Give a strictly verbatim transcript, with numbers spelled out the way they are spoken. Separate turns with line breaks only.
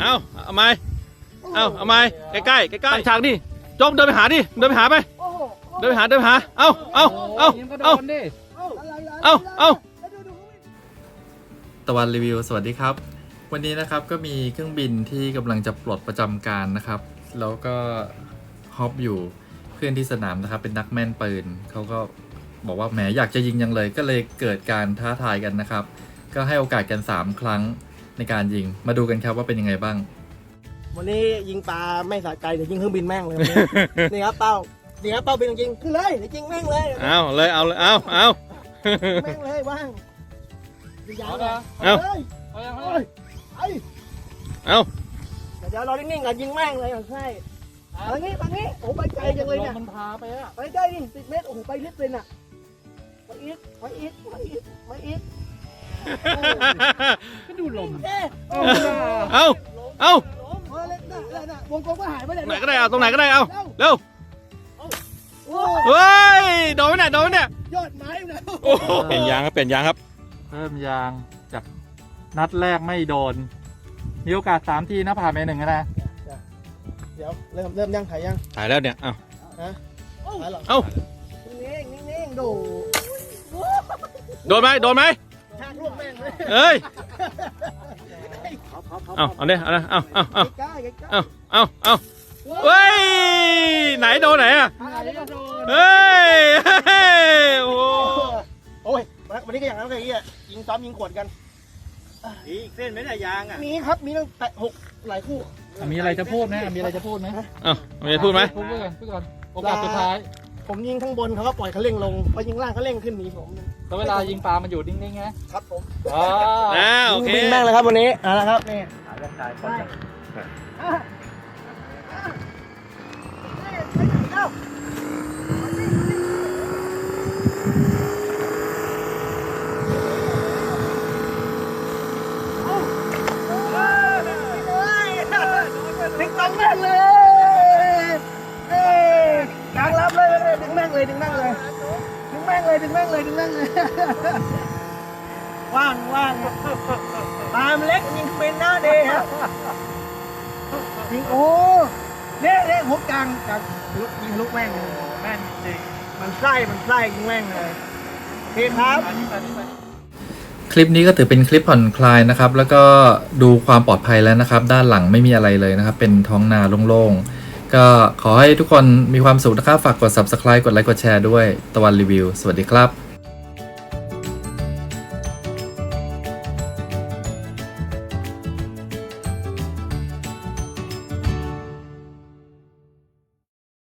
เอาเอาไม้เอาเอาไม้ใกล้ใกล้ใกล้ใกล้ฉากนี่จงเดินไปหาดิเดินไปหาไปเดินไปหาเดินไปหาเอาเอาเอาเอาเอาเอาตะวันรีวิวสวัสดีครับวันนี้นะครับก็มีเครื่องบินที่กำลังจะปลดประจำการนะครับแล้วก็ฮอปอยู่เพื่อนที่สนามนะครับเป็นนักแม่นปืนเขาก็บอกว่าแหมอยากจะยิงยังเลยก็เลยเกิดการท้าทายกันนะครับก็ให้โอกาสกันสามครั้งในการยิงมาดูกันครับว่าเป็นยังไงบ้าง
วันนี้ยิงปลาไม่สะใจเดี๋ยวยิงเครื่องบินแม่งเลย นี่ครับเป้านี่ครับเป้าเป็นจริงขึ้นเลยเดี๋ยวยิงแม่งเลย
เอาเลยเอาเลยเอาเอา
แม่งเลยว่างยิงยาวเลย
เอา
เอา
เอา
เดี๋ยวเรานิ่งๆกันยิงแม่งเลยใช่ทางนี้ทางนี้โอ้ไปไกลจังเลยเนี่ยมันพาไปอะไปได้ดิสิบเมตรโอ้โหไปลึกเลยน่ะไปอีกไปอีกไปอีกไปอีกก็ดูลมเอา
เอาเอา
วงกลมก็หายไปเลย
ไหนก็ได้เอาตรงไหนก็ได้เอาเร็วเฮ้ยโดนไหมเนี่ยโดนไหมเนี่ย
ยอดไม้นะ
โอ้เปลี่ยนยางครับเปลี่ยนยางครับ
เพิ่มยางจากนัดแรกไม่โดนมีโอกาสสามทีนะผ่านไปหนึ่งนะ
เดี๋ยวเริ่มเริ่มยังถ่ายยัง
ถ่ายแล้วเนี่ยเอา
ฮะถ่ายหรอ
เอา
นิ่งนิ่งนิ่งดู
โดนไหมโดนไหม
ชากลูกแม่งเลย
เอ้ยเอาเอาเนี่ยเอาเอาเอาเอาเอาเอาเอาเฮ้ยไหนโดนไหนอ่ะเฮ้ยโอ้
โอ้ยวันนี้ก็อย่างนั้นเลยอ่ะยิงซ้อมยิงขวดกัน
มีอีกเส้นไหมเนี่ยยางอ่ะ
มีครับมีตั้งแต่หกหลายคู่
มีอะไรจะพูดไหมมีอะไรจะพูดไหม
เอ้ามีอะไรพูดไหม
พูดก่อนพูดก่อนโอกาสสุดท้าย
ผมยิงข้างบนเขาก็ปล่อยเขาเร่งลงพอยิงล่างเขาเร่งขึ้นหนีผม
แล้วเวลายิงปลามันอยู่นิ่งๆไง
ครับผม
อ่าโอเค
ยิงแม่งเลยครับวันนี้อ่าแล้วครับนี่
ถ่ายร่างกายคน
ดึงตรงแม่งเลยเอ้ยกลางรับเลยดึงแม่งเลยดึงแม่งเลยดึงแม่งเลยดึงแม่งเลยดึงแม่งเลยว่างว่างปามเล็กยิงเป็นหน้าเดย์ครับยิงโอ้เนี่ยเนี่ยหัวกลางกลางลุกยิงลุกแม่งแม่งจริงมันไส้มันไส้ยิงแม่งเลยโอเคครับ
คลิปนี้ก็ถือเป็นคลิปผ่อนคลายนะครับแล้วก็ดูความปลอดภัยแล้วนะครับด้านหลังไม่มีอะไรเลยนะครับเป็นท้องนาโล่งๆก็ขอให้ทุกคนมีความสุขนะครับฝากกด ซับสไครบ์ กดไลค์กดแชร์ด้วยตะวันรีวิวสวัสดีครับ